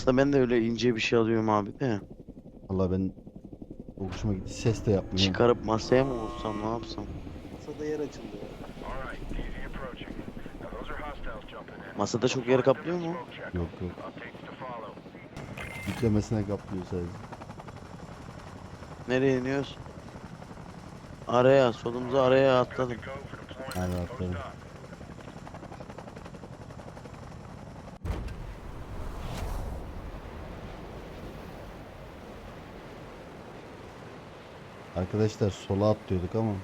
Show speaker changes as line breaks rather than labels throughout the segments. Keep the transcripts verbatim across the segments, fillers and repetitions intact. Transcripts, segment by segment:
Aslında ben de öyle ince bir şey alıyorum abi de.
Valla ben çok hoşuma gitti. Ses de yapmıyorum.
Çıkarıp masaya mı vursam ne yapsam?
Masada yer açıldı ya.
Masada çok yer kaplıyor mu?
Yok yok. Yüklemesine kaplıyor sadece.
Nereye iniyoruz? Araya, solumuza araya atladım.
Aynen atladım. Arkadaşlar sola atlıyorduk ama.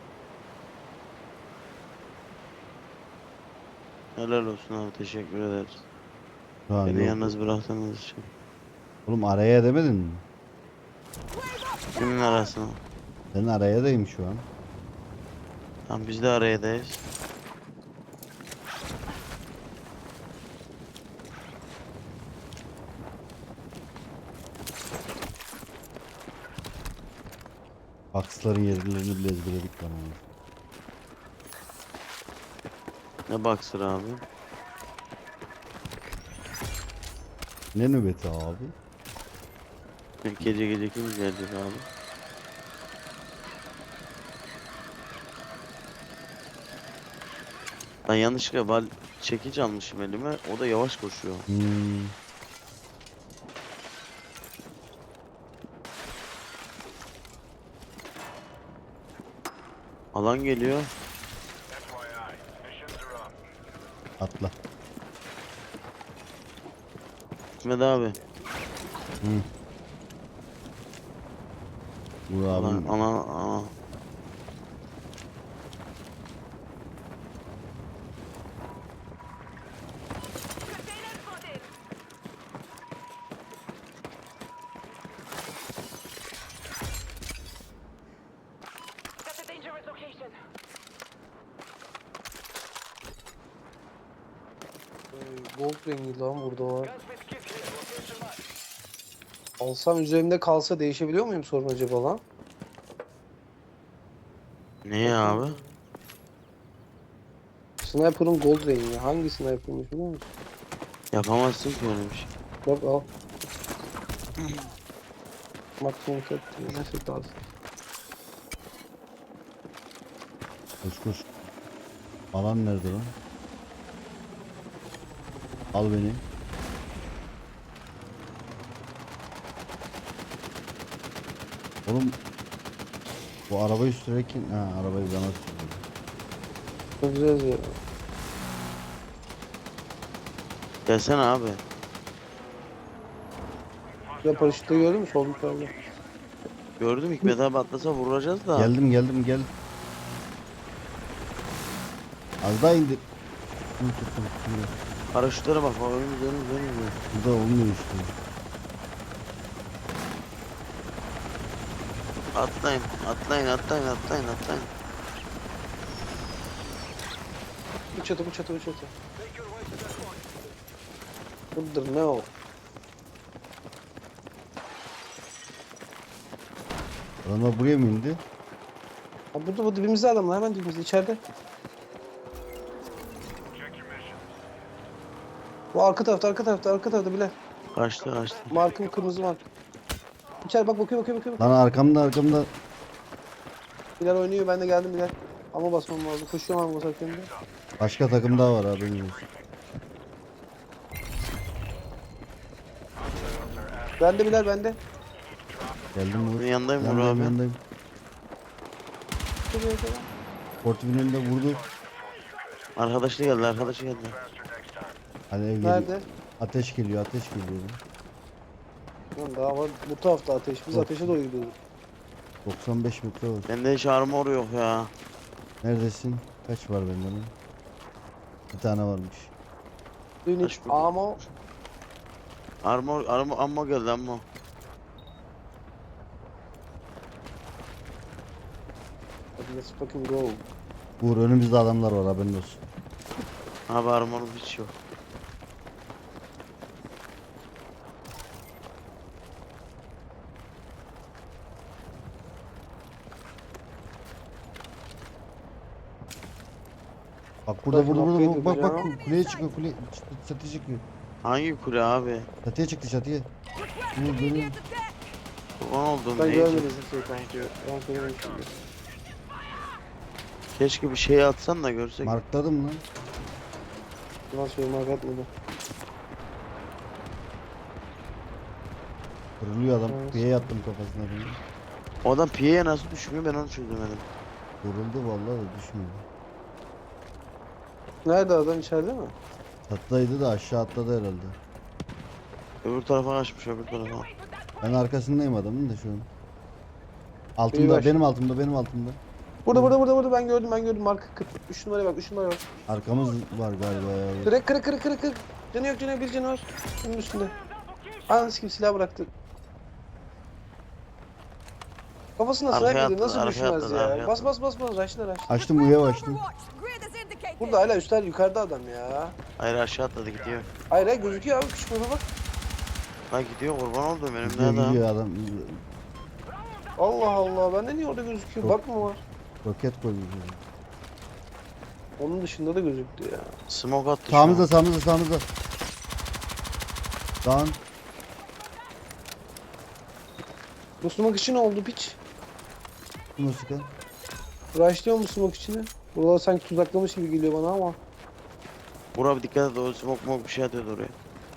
Helal olsun abi, teşekkür ederiz.
Ha
Beni
yok.
yalnız bıraktığınız için.
Oğlum araya demedin mi?
Kimin arasına?
Ben arayadayım şu an.
Tam biz de arayadayız.
Aksların yerlerini bile ezberledik lan onu.
Ne baksır abi?
Ne nöbeti abi?
Gece gece kim gelecek abi? Ben yanlışlıkla val çekiç almışım elime. O da yavaş koşuyor.
Hmm.
Alan geliyor.
Atla.
Hikmet abi.
Hı. Vur
Alan,
abim.
ana, ana.
That's a dangerous location.
Ee, Gold rengi lan burada var.
Gunsmith kit here. Location marked.
Alsam üzerimde kalsa değişebiliyor muyum sorun acaba lan?
Ne ya abi?
Sniper'ın gold rengi. Hangi sniper'mış biliyor musun?
Yapamazsın ki öyle bir şey.
Bak al. Maksimum set. Ne set alsın?
Koş koş. Alan nerede lan? Al beni. Oğlum bu arabayı sürerken ha arabayı bana sürdü.
Çok güzel ya.
Gelsene abi.
Ya paraşütte gördün mü? Sol yukarıda.
Gördüm, Hikmet abi atlasa vuracağız da.
Geldim geldim gel. Az daha indir. Dur, dur, dur, dur.
Paraşütlere bak. Önümüz önümüz önümüz.
Burada olmuyor işte.
Atlayın, atlayın, atlayın, atlayın, atlayın.
Bu çatı bu çatı bu çatı. Budur ne o?
Adamlar buraya mı indi?
Ha, burada bu dibimizde adamlar hemen dibimizde içeride. Bu arka tarafta arka tarafta arka tarafta bile.
Kaçtı, kaçtı.
Markım kırmızı mark. İçeri bak bakıyor bakıyor bakıyor.
Lan arkamda arkamda.
Bilal oynuyor ben de geldim Bilal. Ama basmam lazım. Koşuyorum ama basarken de.
Başka takım daha var haberiniz olsun.
Ben de Bilal ben de.
Geldim vur.
Senin yanındayım Uğur
Yanındayım
abi.
yanındayım. Portifin önünde vurdu.
Arkadaşı geldi, arkadaşı geldi.
Hadi ev geliyor.
Nerede?
Ateş geliyor ateş geliyor.
Lan daha var. Bu tarafta ateş. Biz
Yok.
ateşe doğru gidiyoruz.
doksan beş metre var.
Bende hiç armor yok ya.
Neredesin? Kaç var bende lan? Bir tane varmış.
Unit
Kaç bu?
ammo.
Armor, armor, ammo geldi ammo.
Hadi let's fucking go.
Uğur önümüzde adamlar var haberin olsun.
Abi armorum hiç yok.
Bak burada
Bakın,
burada burada
upgrade
bak bak bak
yapacağım.
kuleye çıkıyor kule çatı çıkıyor.
Hangi kule abi?
Çatıya çıktı çatıya. Dur dur.
Kurban olduğum
Ben
ne?
görmedim şey kanka. Ben görmedim.
Keşke bir şey atsan da görsek.
Markladım lan.
Nasıl bir mark atmadı.
Kırılıyor adam.
Evet.
Piye yattım kafasına benim.
O adam piyeye nasıl düşmüyor ben onu çözemedim.
Vuruldu vallahi da düşmüyor.
Nerede adam, içeride mi?
Çatıdaydı da aşağı atladı herhalde.
Öbür tarafa kaçmış öbür tarafa.
Ben arkasındayım adamın da şu an.
İyi
Altımda,
baş.
benim altımda, benim altımda.
Burada burada burada burada ben gördüm ben gördüm marka kırk. üç numaraya bak üç numaraya bak.
Arkamız var galiba ya.
Kırık kırık kırık kırık kırık. Canı yok canı yok bir canı var. Bunun üstünde. Anası gibi silah bıraktı. Kafasına
Arkaya
sniper yedi,
atladı,
nasıl
arkaya
düşmez
atladı,
ya.
arkaya
Bas bas bas bas raşla raşla.
Açtım uya açtım.
Burada hala üstler yukarıda adam ya.
Hayır aşağı atladı gidiyor.
Hayır hayır gözüküyor abi küçük baba bak.
Ha gidiyor kurban olduğum önümde
Gidiyor
adam.
gidiyor adam.
Allah Allah bende niye orada gözüküyor?
Yok.
Bak mı var?
Roket koyuyor.
Onun dışında da gözüktü ya.
Smoke attı şu
Sağımızda
an.
sağımızda sağımızda. Dağın.
Bu smoke için ne oldu piç?
Musika.
Rushlıyor mu smoke içini? Buralar sanki tuzaklamış gibi geliyor bana ama.
Bura bir dikkat et o smoke smoke bir şey atıyordu oraya.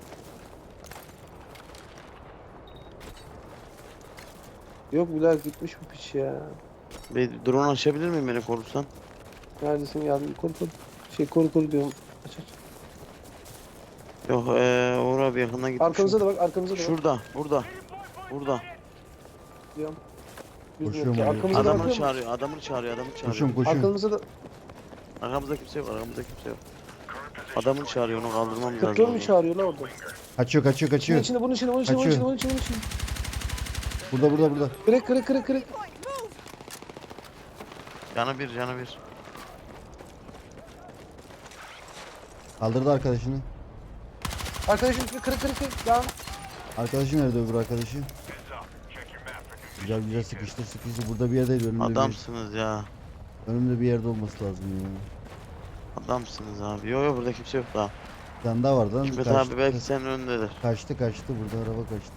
Yok Bilal gitmiş bu piç ya.
Bir drone açabilir miyim beni korursan?
Neredesin yardım koru koru. Şey koru koru diyorum. Aç aç.
Yok eee Uğur abi yakından gitmiş.
Arkamıza da bak arkamıza da bak.
Şurada burada. Burada.
Diyorum.
Koşuyorum
Yüz metre.
oraya.
Arkamıza da
Adamını
bakıyor musun?
çağırıyor adamını çağırıyor adamını çağırıyor.
Koşun koşun.
Arkamıza da
Arkamızda kimse yok arkamızda kimse yok. Adamını çağırıyor onu kaldırmam lazım.
kırklar mı çağırıyor la orada?
Kaçıyor kaçıyor
Bunun
kaçıyor.
içinde bunun içinde bunun içinde bunun
Kaçıyor.
içinde bunun içinde bunun içinde.
Burada burada burada.
Kırık kırık kırık kırık.
Canı bir canı bir.
Kaldırdı arkadaşını.
Arkadaşım kırık kırık kırık kırık. Devam.
Arkadaşı nerede öbür arkadaşı? Güzel güzel sıkıştır sıkıştır. Burada bir yerdeydi önümde
Adamsınız ya.
bir, önümde bir yerde olması lazım ya.
Adamsınız abi. Yok yok burada kimse yok daha.
Bir tane daha vardı lan.
Hikmet
Kaçtı,
abi belki senin önündedir.
kaçtı kaçtı burada araba kaçtı.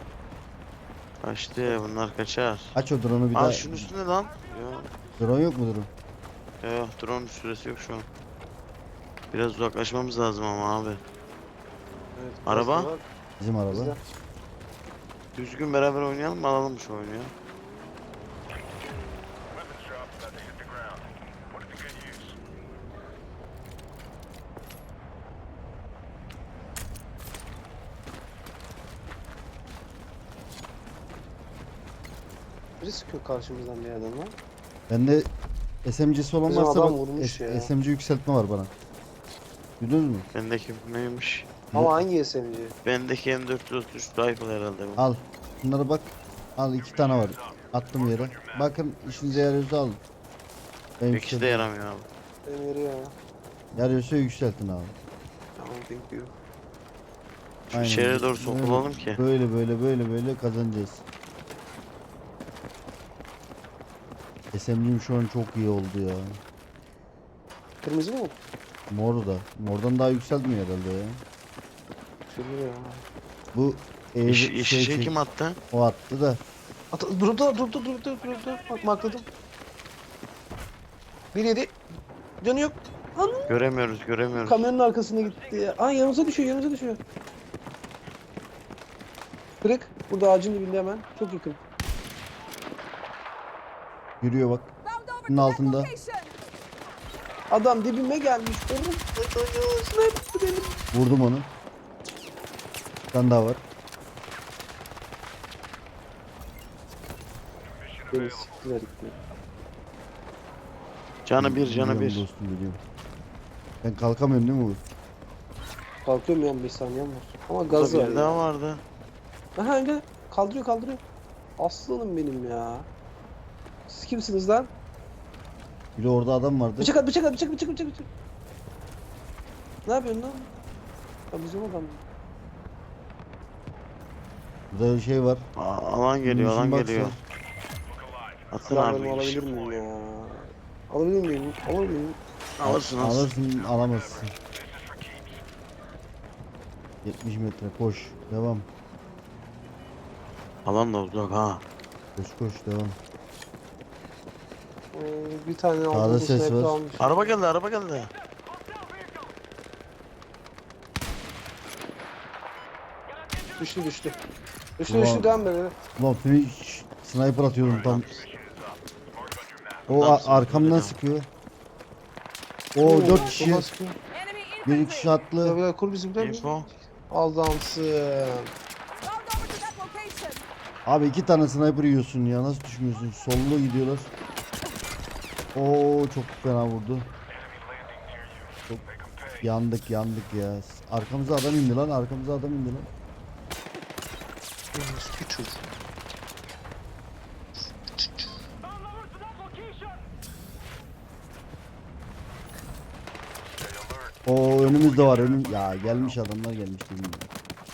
Kaçtı bunlar kaçar.
Aç o drone'u bir
Aa
daha.
şunun üstünde lan. Yok
Drone yok mu drone?
yok drone süresi yok şu an. Biraz uzaklaşmamız lazım ama abi.
Evet,
Araba?
biraz da var.
Bizim araba.
Bizde.
Düzgün beraber oynayalım mı alalım şu oyunu ya.
Weapons drop about to hit the ground. Put it to good use.
Biri sıkıyor karşımızdan bir yerden lan.
Bende S M G'si olan
Bizim
varsa
adam
bak
vurmuş
S-
ya.
S M G yükseltme var bana. Duydunuz mu?
Bendeki neymiş?
Ama hangi S M G?
Bendeki M dört yüz otuz üç rifle herhalde bu.
Al. Bunlara bak. Al iki tane var. Attım yere. Bakın işinize yarıyorsa alın. Ben
Bir kişi de
yükselttim.
yaramıyor abi.
Benim yeri ya.
Yarıyorsa yükseltin abi.
Tamam thank you.
Şu
Aynen.
içeriye doğru
Böyle-
sokulalım ki.
Böyle böyle böyle böyle kazanacağız. S M G'm şu an çok iyi oldu ya.
Kırmızı mı?
Mor da. Mordan daha yükseltmiyor herhalde ya.
Şurada ya.
Bu ev
İş, iş
şey,
şey
şey-
kim attı?
o attı da.
At durdu durdu durdu durdu. Bak markladım. Bir yedi. Canı yok. Anam.
Göremiyoruz göremiyoruz.
Kamyonun arkasına gitti ya. Aa yanımıza düşüyor yanımıza düşüyor. Kırık. Burada ağacın dibinde hemen. Çok yakın.
Yürüyor bak. Bunun altında.
Adam dibime gelmiş. Oğlum. Sniper benim.
Vurdum onu. Bir tane daha var.
Beni siktiler gitti.
Canı bir canı
Biliyorum
bir.
dostum biliyorum. Ben kalkamıyorum değil mi bu?
Kalkıyorum ya on beş saniyem var. Ama
Burada
gaz var
bir daha
ya.
vardı.
Aha öyle. Kaldırıyor kaldırıyor. Aslanım benim ya. Siz kimsiniz lan?
Bir de orada adam vardı.
Bıçak at bıçak at bıçak bıçak bıçak bıçak. Ne yapıyorsun lan? Ya bizim adam.
Burada bir şey var.
Aa, alan geliyor alan
Munition box
geliyor.
var.
Atın
Silahlarımı
abi.
alabilir miyim ya? Alabilir miyim? Alabilir miyim?
Alırsın alırsın.
Alırsın alamazsın. yetmiş metre koş. Devam.
Alan da uzak ha.
Koş koş devam.
Ee, bir tane
Sağda
aldığımız
ses
sniper
var.
almış.
Araba geldi araba geldi.
Düştü düştü. Düştü
Ulan.
düştü devam be.
Ulan finish sniper atıyordum tam. O
Adam
a-
sıkıyor,
arkamdan
devam.
sıkıyor. O dört kişi.
soldan sıkıyor.
Enemy
Bir
infantry.
kişi atlı.
Beyler kur bizimkiler.
Info.
Adamsın.
Round over to that location.
Abi iki tane sniper yiyorsun ya. Nasıl düşmüyorsun? Sollu gidiyorlar. Oo çok fena vurdu. Çok yandık yandık ya. Arkamıza adam indi lan. Arkamıza adam indi lan.
Eski çocuk.
O önümüzde var önüm. Ya gelmiş adamlar gelmiş dedim ya.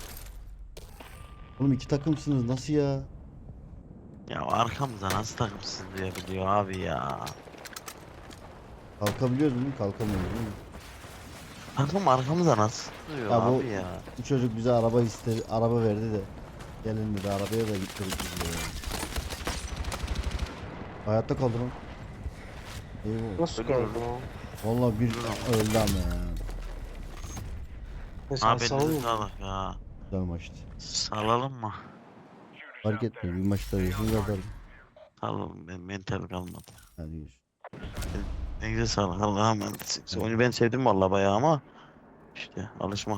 Oğlum iki takımsınız nasıl ya?
Ya arkamıza nasıl takımsız diye biliyor abi ya.
Kalkabiliyoruz mu? Kalkamıyoruz değil mi?
Takım arkamıza nasıl diyor
Ya bu-
abi ya.
Bu çocuk bize araba istedi, araba verdi de. Gelin dedi arabaya da gittirdik biz de ya. Hayatta kaldı lan. Eyvah.
Nasıl
Ölüyorum.
kaldı lan?
Vallahi bir öldü ama ya.
Neyse
Abi
abi
elinize
salın.
sağlık ya.
Güzel maçtı.
Salalım mı?
Fark etmiyor bir maçta yaşını atarım.
Salalım ben mental kalmadı.
Hadi görüşürüz.
Elinize sağlık Allah'a emanet. Oyunu ben sevdim vallahi bayağı ama işte alışmak